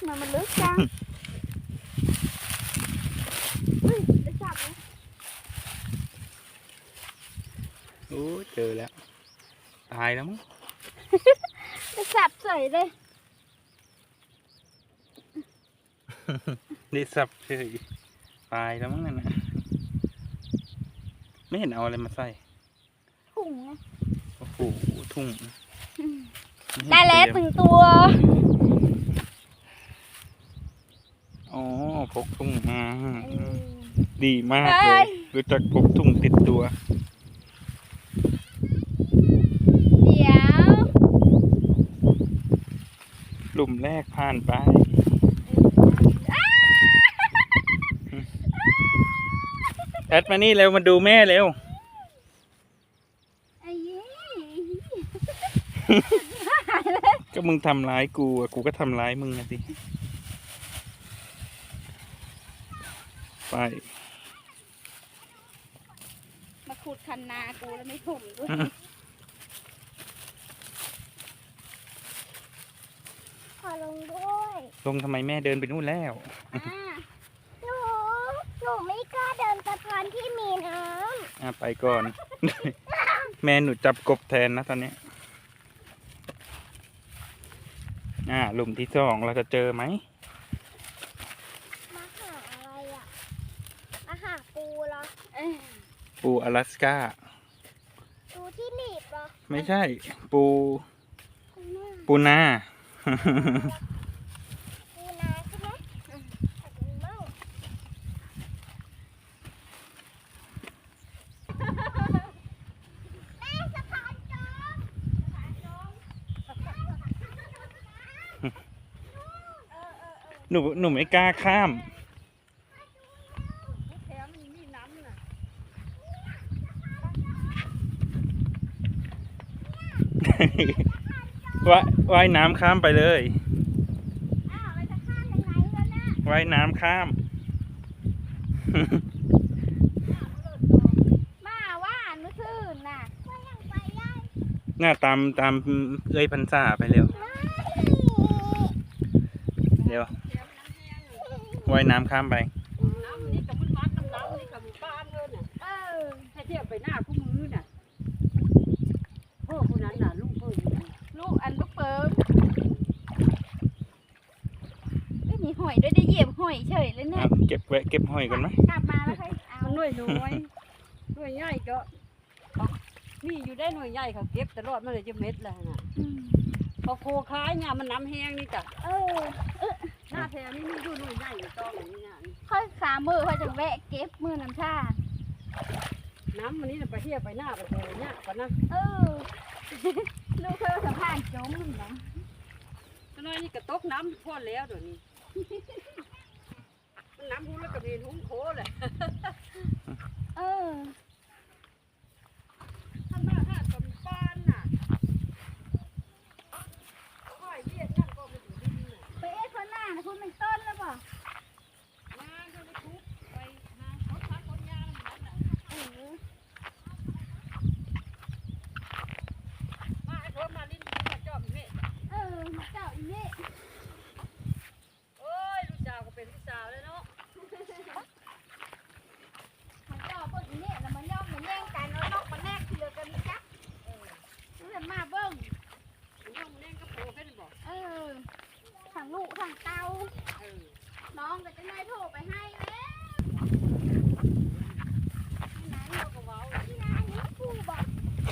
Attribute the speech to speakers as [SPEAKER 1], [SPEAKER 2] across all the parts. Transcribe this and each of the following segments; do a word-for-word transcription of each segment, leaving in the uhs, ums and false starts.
[SPEAKER 1] มันมันลึกจังเฮ้ยได้จับไหม
[SPEAKER 2] โอ้เจอแล้วตายแล้วมั้ง
[SPEAKER 1] ได้จับเฉยเลย
[SPEAKER 2] ได้สับเฉยตายแล้วมั้งนั่นนะไม่เห็นเอาอะไรมาใส่
[SPEAKER 1] ถุงไง
[SPEAKER 2] โอ้โหทุ่ง
[SPEAKER 1] ได้แล้วหนึ่งตัว
[SPEAKER 2] อ๋อพกทุ่งมาดีมากเลย รู้จักพกทุ่งติดตัว
[SPEAKER 1] เดี๋ยว
[SPEAKER 2] หลุมแรกผ่านไปแอดมานี่เร็วมาดูแม่เร็วก็มึงทำร้ายกูอ่ะกูก็ทำร้ายมึงนะสิไป
[SPEAKER 1] มาขุดคันนากูแล้วไม่ถมด้วยขอลงด้วย
[SPEAKER 2] ลงทำไมแม่เดินไปนู่นแล้ว
[SPEAKER 1] หนูหนูไม่กล้าเดินสะพานที่มีน้
[SPEAKER 2] ำอ่ะไปก่อน แม่หนูจับกบแทนนะตอนนี้อ่าหลุมที่สองเราจะเจอไหม
[SPEAKER 1] มาหาอะไรอ่ะมาหาปูเหรอ
[SPEAKER 2] ปูอลาสก้า
[SPEAKER 1] ปูที่หนีบเหรอ
[SPEAKER 2] ไม่ใช่ปูปูนา
[SPEAKER 1] ปูนาใช่ไหมแม่สะพานจมสะพานจม
[SPEAKER 2] หนูหนูไม่กล้าข้ามว่ายว่ายน้ำข้ามไปเลยว่ายน้ำข้าม
[SPEAKER 1] มาว่าเมื่อคืนน่ะ
[SPEAKER 2] หน้าตามตามเอ้ยพันษาไปเร็วเร็วว่ายน้ำข้ามไป
[SPEAKER 3] น้ำนี่กับมันบ้านน้ำน้ำนี่กับบ้านเลยน่ะเออให้เทียบไปหน้าคู่มือน่ะพ่อคนนั้นน่ะลูกเพิ่ม
[SPEAKER 1] ลูกอันลูกเปิมไม่มีหอยด้วยได้เหยียบหอยเฉยเลยเนี่ย
[SPEAKER 2] เก็บแวะเก็บหอยกันไหม
[SPEAKER 1] กลับมาแล้วค่อยเอา
[SPEAKER 3] หน่วยน้อยหน่วยใหญ่ก็นี่อยู่ได้หน่วยใหญ่เขาเก็บตลอดมาเลยจะเม็ดแล้วน่ะพอโคคล้ายเนี่ยมันน้ำแห้งนี่จ้ะ
[SPEAKER 1] เออ
[SPEAKER 3] หน้าแถวนี้มันอยู่หน่วยใหญ่อยู่ตองอย่างนี้เนี่ย
[SPEAKER 1] ค่อยขามือค่อยจะแวะเก็บมือน้ำชา
[SPEAKER 3] น้ำมันนี่ไปเที่ยวไปหน้าไปแถวเนี่ยก่อนนะ
[SPEAKER 1] เออลูกเธอสะพานจมนะ
[SPEAKER 3] ตอนนี้กระตกน้ำพ่อแล้วเดี๋ยวนี้น้ำพุ่งแล้วก็มีทุ่งโคเลย
[SPEAKER 1] เออ
[SPEAKER 3] ทำมาหาตำปานน่ะค่อยเรียกนั่นก็มาอยู่ที่นี่น่ะ
[SPEAKER 1] ไปเอ๊ะคนหน้านะคุณเป็นต้นแล้วป่ะ
[SPEAKER 3] งานก็ไปทุบไปหาเขาพักคนยาแล้วมันน่ะ
[SPEAKER 1] เออ
[SPEAKER 3] มาไอ้คนมาลิ้นมาจอบนี่
[SPEAKER 1] เออมาเจ้าอีนี่
[SPEAKER 3] โอ้ยลูกสาวก็เป็นลูกสาวเลยเนาะ
[SPEAKER 1] มาเจ้าพวกอีนี่แล้วมันย่อมมันแย่งกันเอานอกมาแนกทีเดียวกันนะจ๊ะเออนี่แหละมาเบิ้ง
[SPEAKER 3] มันย่อมเล่นก็โผล่ขึ้นบอก
[SPEAKER 1] เออถังลูกถังเตา
[SPEAKER 3] เออ
[SPEAKER 1] น้องก็จะได้โทรไปให้แล้ว
[SPEAKER 3] ที่ไหนเราก็ว้าว
[SPEAKER 1] ที่ไหนนี่ครูบอก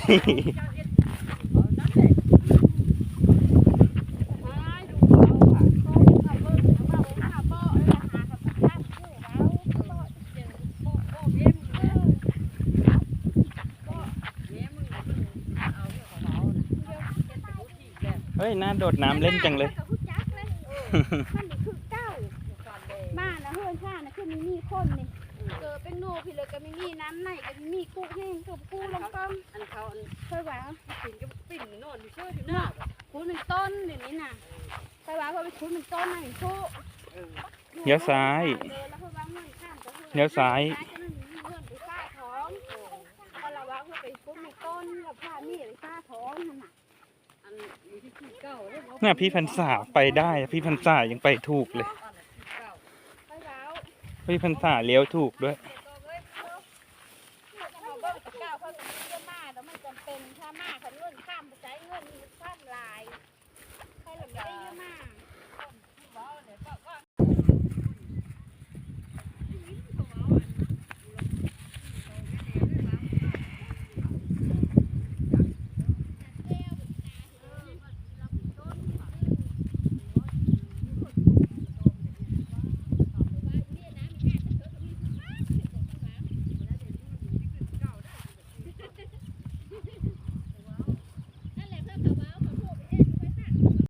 [SPEAKER 2] เฮ้ยน่าโดดน้ำเล่นจังเลย
[SPEAKER 1] มันนี่คือเก้าบ้านนะเฮือนข้านะคือมีมีคนนี่เกิดเป็นโน่พี่เลยก็มีมีน้ำไหนก็มีกู้แห้งกับกู้ลงก้ม
[SPEAKER 3] อันเขา
[SPEAKER 1] เคยว่า
[SPEAKER 3] ปิ่นก็ปิ่นนอนอยู่เชื่ออยู่หน้า
[SPEAKER 1] คุ้นเป็นต้นเดี๋ยวนี้น่ะเคยว่าพอไปคุ้นเป็นต้นน่ะเห็นกู้
[SPEAKER 2] เลี้ยวซ้ายเลี้ยวซ้าย
[SPEAKER 1] พอเราว่าเพื่อไปคุ้นเป็นต้นแล้วผ้านี่ไปซ่าท้องนั่นน่ะ
[SPEAKER 3] อันอยู่ที่ที่เก้าแล้ว
[SPEAKER 2] น่ะพี่พันษาไปได้พี่พันษายังไปถูกเลย
[SPEAKER 1] ไปแล้ว
[SPEAKER 2] พี่พันษาเลี้ยวถูกด้วย
[SPEAKER 1] เขาเบิ่งกับเก้าเขาจะเยอะมากแล้วมันจำเป็นถ้ามากเขาเงินข้ามไปใช้เงินข้ามลายใครหลังไม่ได้เยอะมาก